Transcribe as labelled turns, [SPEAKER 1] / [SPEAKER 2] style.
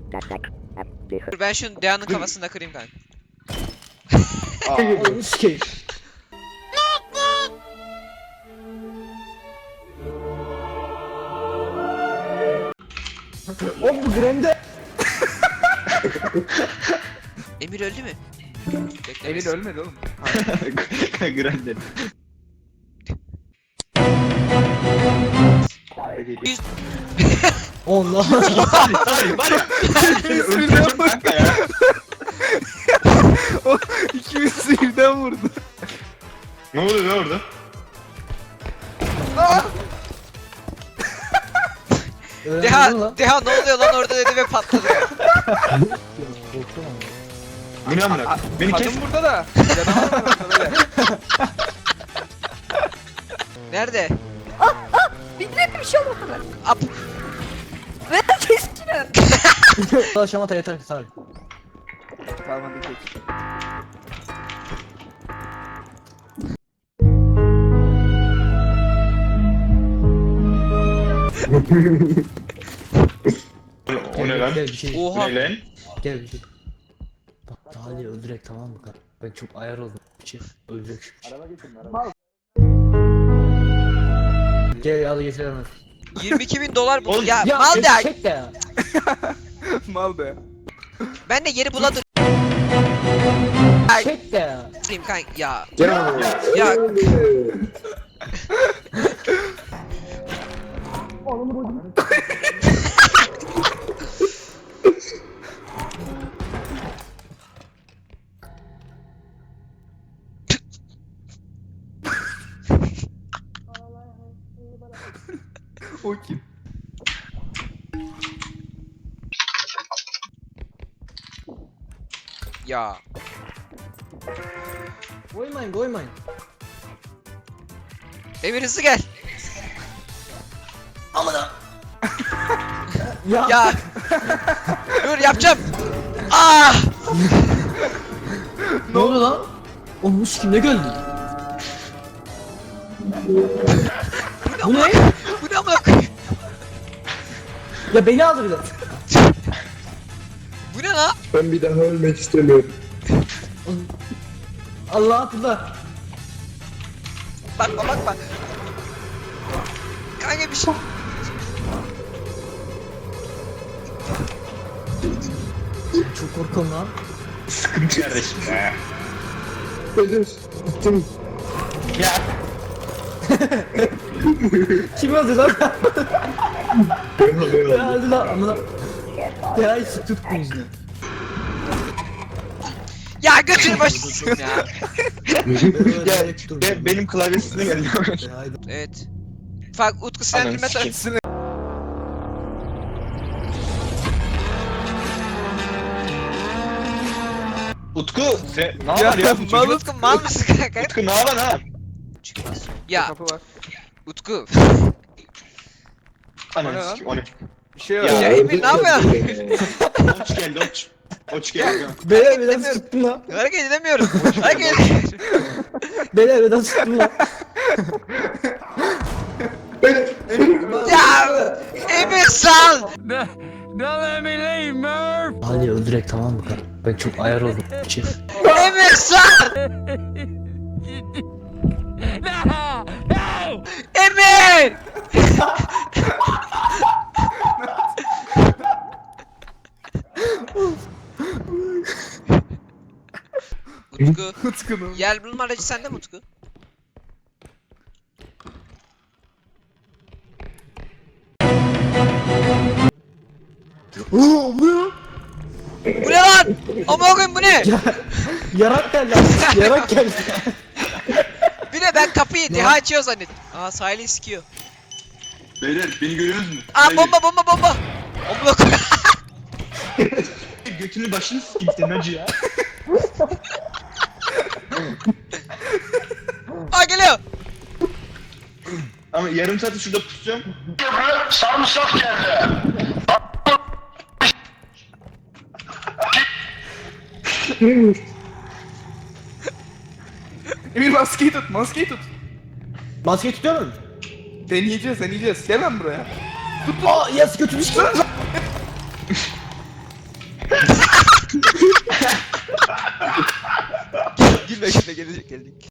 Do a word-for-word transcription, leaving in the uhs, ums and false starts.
[SPEAKER 1] Dur ben şunu Dea'nın kafasında kırayım kanka.
[SPEAKER 2] Onu sikeyim. Oğlum bu Grande.
[SPEAKER 1] Emir öldü mü?
[SPEAKER 3] Emir ölmedi oğlum.
[SPEAKER 4] Grande.
[SPEAKER 1] Yüz...
[SPEAKER 2] Allah.
[SPEAKER 4] Hayır var ya. Seni öldüreceğim kanka ya.
[SPEAKER 3] O ikimiz birden vurdu.
[SPEAKER 4] Ne oluyor lan orada?
[SPEAKER 1] Deha, Deha ne oluyor lan orada dedi ve patladı.
[SPEAKER 4] Bu ne amına? Beni kes.
[SPEAKER 3] Kadın burada da. Canavar var orada böyle.
[SPEAKER 1] Nerede?
[SPEAKER 5] Bildirim bir şey olmadı.
[SPEAKER 1] Ap.
[SPEAKER 5] Ve keskin.
[SPEAKER 2] Şamata yeter ki sar.
[SPEAKER 3] Tamam hadi geç.
[SPEAKER 4] O ne lan?
[SPEAKER 2] Gel bir şey.
[SPEAKER 1] Oha.
[SPEAKER 4] Ne lan?
[SPEAKER 2] Gel bir şey. Bak Salih öldürek tamam mı kanka? Ben çok ayar oldum. Şey öldürek. Araba geçin araba. Gel al getir hemen.
[SPEAKER 1] yirmi iki bin dolar bu.
[SPEAKER 4] Oğlum,
[SPEAKER 1] Ya,
[SPEAKER 2] Ya
[SPEAKER 1] mal da.
[SPEAKER 2] çek de ya.
[SPEAKER 3] Mal be.
[SPEAKER 1] Ben de yeri buladım.
[SPEAKER 2] Çek de ya.
[SPEAKER 1] Kanka ya.
[SPEAKER 4] Ya.
[SPEAKER 1] Ya.
[SPEAKER 3] O kim?
[SPEAKER 1] Ya.
[SPEAKER 2] Koymayın koymayın.
[SPEAKER 1] Emir hızlı gel.
[SPEAKER 2] Ya.
[SPEAKER 1] Ya. Dur yapacağım. Ah.
[SPEAKER 2] Ne oldu lan? Oğlum bu kim ne geldi? Bu ne?
[SPEAKER 1] Bu ne amına koyayım?
[SPEAKER 2] Ya beni aldı bir de.
[SPEAKER 1] Bu ne lan?
[SPEAKER 6] Ben bir daha ölmek istemiyorum.
[SPEAKER 2] Allah atla.
[SPEAKER 1] Bakma bakma. Kanka bir şey.
[SPEAKER 2] Çok korkuyorum lan.
[SPEAKER 4] Sıkıntı kardeşim ya.
[SPEAKER 6] Ölür. Gittim.
[SPEAKER 4] Ya.
[SPEAKER 2] Kim öldü lan?
[SPEAKER 6] Ben haber
[SPEAKER 2] Ya
[SPEAKER 6] aldım.
[SPEAKER 2] öldü lan amına. Ya hiç tutma yüzünü.
[SPEAKER 1] Ya götür başısın ya.
[SPEAKER 4] Ya be, benim klavyesine geldi.
[SPEAKER 1] Evet. Bak Utku sinirlendirme
[SPEAKER 4] Ananı sikeyim. Utku sen ne
[SPEAKER 3] Ya,
[SPEAKER 4] var ya? Bu
[SPEAKER 3] mal-
[SPEAKER 4] çocuk?
[SPEAKER 1] Utku mal mısın kanka?
[SPEAKER 4] Utku ne var ha?
[SPEAKER 1] Ya
[SPEAKER 3] Kapı var.
[SPEAKER 1] Utku.
[SPEAKER 3] O ne
[SPEAKER 4] Ananı
[SPEAKER 3] lan?
[SPEAKER 4] sikeyim o ne?
[SPEAKER 3] Bir şey
[SPEAKER 4] Ya,
[SPEAKER 3] var.
[SPEAKER 1] Ya Emir ne yapıyorsun?
[SPEAKER 4] Oç geldi oç. Oç geldi.
[SPEAKER 2] Beyler beden tuttum lan.
[SPEAKER 1] Hareket edemiyorum. Hareket edemiyorum.
[SPEAKER 2] Beyler beden tuttum lan.
[SPEAKER 1] Ya Emir sal.
[SPEAKER 2] Ali öldürek tamam mı kanka? Ben çok ayar oldum. Şey.
[SPEAKER 1] Emir sal. Emir. Utku.
[SPEAKER 3] Utku'nun.
[SPEAKER 1] Yer bulma aracı sende mi Utku?
[SPEAKER 2] Oo bu ya.
[SPEAKER 1] Bu ne lan? Aman koyayım bu ne?
[SPEAKER 2] Yarak geldi abi. Yarak geldi.
[SPEAKER 1] Bir de ben kapıyı Deha açıyor zannettim. Aa sahili sikiyor.
[SPEAKER 4] Beyler beni görüyorsunuz mu?
[SPEAKER 1] Aa bomba bomba bomba. Amına koy.
[SPEAKER 4] Götünü başını sikeyim senin acı ya.
[SPEAKER 1] Aa geliyor.
[SPEAKER 4] Ama yarım saat şurada pusacağım.
[SPEAKER 7] Sarımsak geldi.
[SPEAKER 3] Emir maskeyi tut, maskeyi tut.
[SPEAKER 2] Maskeyi tutuyor musun?
[SPEAKER 3] Deneyeceğiz, deneyeceğiz. Gel lan buraya.
[SPEAKER 2] Aa yas götürmüş lan.
[SPEAKER 1] Gülme gülme gelecek gelecek.